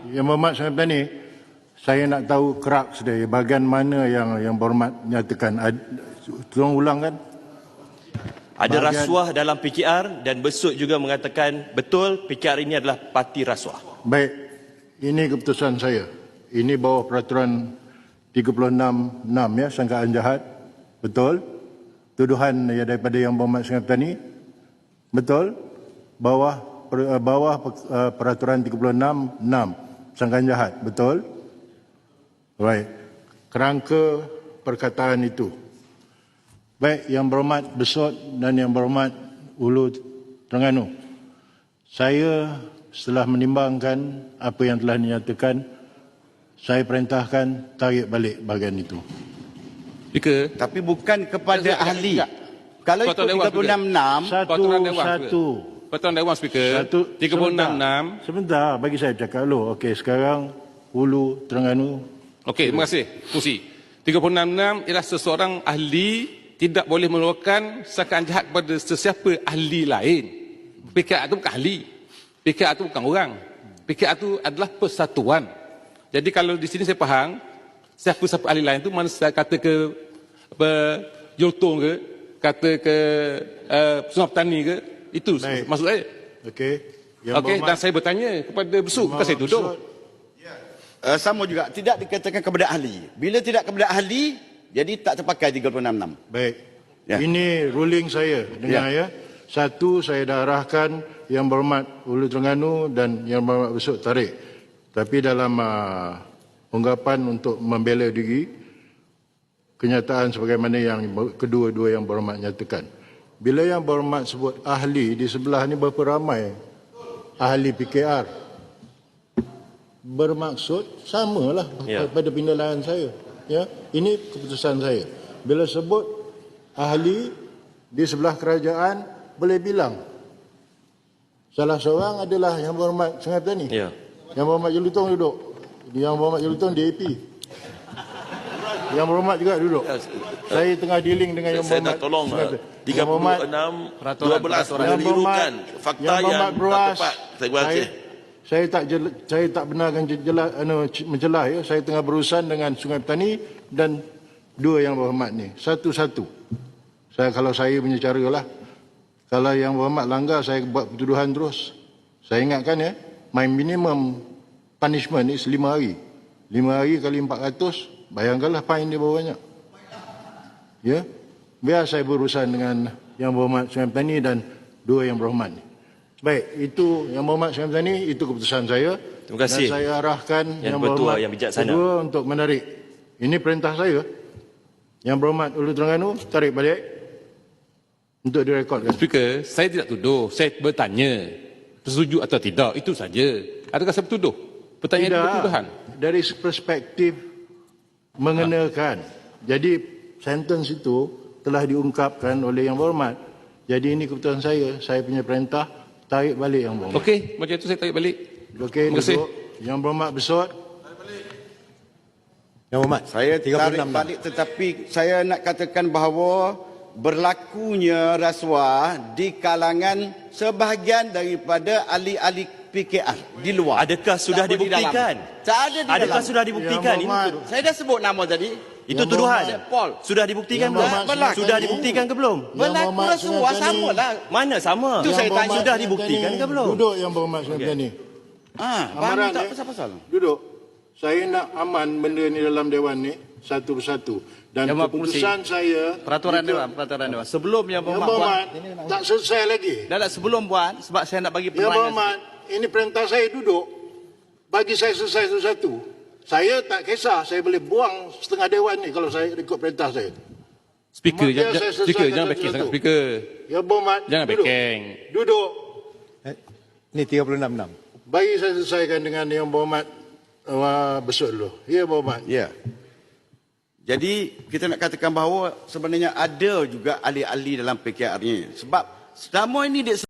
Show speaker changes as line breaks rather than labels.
Yang Berhormat Sungai Petani, saya nak tahu kraks dia, bahagian mana yang Berhormat nyatakan. Tolong ulang kan?
Ada rasuah dalam PKR dan Besut juga mengatakan betul PKR ini adalah parti rasuah.
Baik, ini keputusan saya. Ini bawah peraturan 36.6 ya, sangkaan jahat. Betul? Tuduhan daripada Yang Berhormat Sungai Petani. Betul? Bawah peraturan 36.6 sangkaan jahat. Betul? Baik. Kerangka perkataan itu. Baik, Yang Berhormat Besut dan Yang Berhormat Hulu Terengganu. Saya setelah menimbangkan apa yang telah dinyatakan, saya perintahkan tarik balik bahagian itu.
Tapi bukan kepada ahli. Kalau ikut 36.6,
Pertuan Dewan Speaker, 36.6.
Sebentar, bagi saya cakap dulu. Okey, sekarang Hulu Terengganu.
Okey, terima kasih. Fungsi. 36.6 ialah seseorang ahli tidak boleh mengeluarkan sangkaan jahat kepada sesiapa ahli lain. PKR itu bukan ahli. PKR itu bukan orang. PKR itu adalah persatuan. Jadi kalau di sini saya faham, siapa-siapa ahli lain itu mana saya kata ke Jultong ke, kata ke Sungai Petani ke, itu maksud saya.
Okey.
Okey, dan saya bertanya kepada Besut, bukan saya tuduh.
sama juga tidak dikatakan kepada ahli. Bila tidak kepada ahli, jadi tak terpakai 36.6.
Baik.
Ya.
Ini ruling saya. Dengar ya. Satu, saya dah arahkan Yang Berhormat Hulu Terengganu dan Yang Berhormat Besut tarik. Tapi dalam ungkapan untuk membela diri, kenyataan sebagaimana yang kedua-dua Yang Berhormat nyatakan. Bila Yang Berhormat sebut ahli, di sebelah ni berapa ramai ahli PKR. Bermaksud samalah pada penilaian saya. Ya, ini keputusan saya. Bila sebut ahli di sebelah kerajaan, boleh bilang salah seorang adalah Yang Berhormat Sungai Petani.
Ya.
Yang Berhormat Jelutong duduk. Yang Berhormat Jelutong DAP. Yang Berhormat juga duduk. Saya tengah dealing dengan Yang
Saya
Berhormat
nak tolong
Sungai Petani.
36, 12 menirukan fakta yang tak tepat. Terima kasih.
Saya tak benarkan mencelah ya. Saya tengah berurusan dengan Sungai Petani dan dua Yang Berhormat ni. Satu-satu. Kalau saya punya cara lah. Kalau Yang Berhormat langgar, saya buat pertuduhan terus. Saya ingatkan ya, my minimum punishment is 5 hari. 5 hari kali 400, bayangkanlah fine dia berapa banyak. Ya. Biar saya berurusan dengan Yang Berhormat Sungai Petani dan dua Yang Berhormat ni. Baik, itu Yang Berhormat Sungai Petani, itu keputusan saya.
Terima kasih.
Dan saya arahkan
Yang
Berhormat
bertuah, yang bijaksana.
kedua untuk menarik. Ini perintah saya. Yang Berhormat Hulu Terengganu, tarik balik untuk direkodkan.
Speaker, saya tidak tuduh. Saya bertanya, setuju atau tidak, itu saja. Adakah saya bertuduh? Pertanyaan itu tuduhan.
Dari perspektif mengenakan. Jadi sentence itu telah diungkapkan oleh Yang Berhormat. Jadi ini keputusan saya punya perintah, tarik balik Yang Berhormat.
Okey, macam itu saya tarik balik.
Okey,
Terima kasih.
duduk. Yang Berhormat Besut.
Yang Berhormat,
Saya tarik balik, tetapi saya nak katakan bahawa berlakunya rasuah di kalangan sebahagian daripada ahli-ahli PKR di luar.
Adakah sudah
Tak
dibuktikan?
Tak ada di
Adakah
dalam.
sudah dibuktikan?
Yang
Ini
Berhormat.
Saya dah sebut nama tadi.
itu
Yang
tuduhan.
Berhormat.
Paul.
Sudah dibuktikan
Yang
belum?
Berhormat
Sudah
Sungai
dibuktikan ke belum?
Yang
Berlaku
Berhormat
rasuah
Sungai Petani.
sama lah.
Mana sama?
Itu saya
Yang
tanya.
Berhormat
Sudah
Sungai
dibuktikan
Petani.
ke belum?
Duduk Yang Berhormat Sungai Petani. Amaran
tak
ya.
pasal-pasal.
Duduk. Saya nak aman benda ni dalam Dewan ni satu persatu. Dan
Yang
keputusan saya
peraturan Dewan. Sebelum Yang
Yang
Berhormat
Berhormat tak selesai lagi.
sebelum buat, sebab saya nak bagi
Yang
penerangan.
Berhormat, ini perintah saya duduk. Bagi saya selesai satu-satu. Saya tak kisah, saya boleh buang setengah Dewan ni kalau saya ikut perintah saya.
Speaker,
Biar saya
speaker
selesaikan
jangan backing
satu-satu.
sangat. Speaker,
Yang Berhormat,
jangan
duduk.
backing.
Duduk.
Ini 36.6.
Bagi saya selesaikan dengan Yang Berhormat Besut dulu. Ya, Berhormat.
Ya. Jadi kita nak katakan bahawa sebenarnya ada juga ahli-ahli dalam PKR ni. Sebab selama ini dia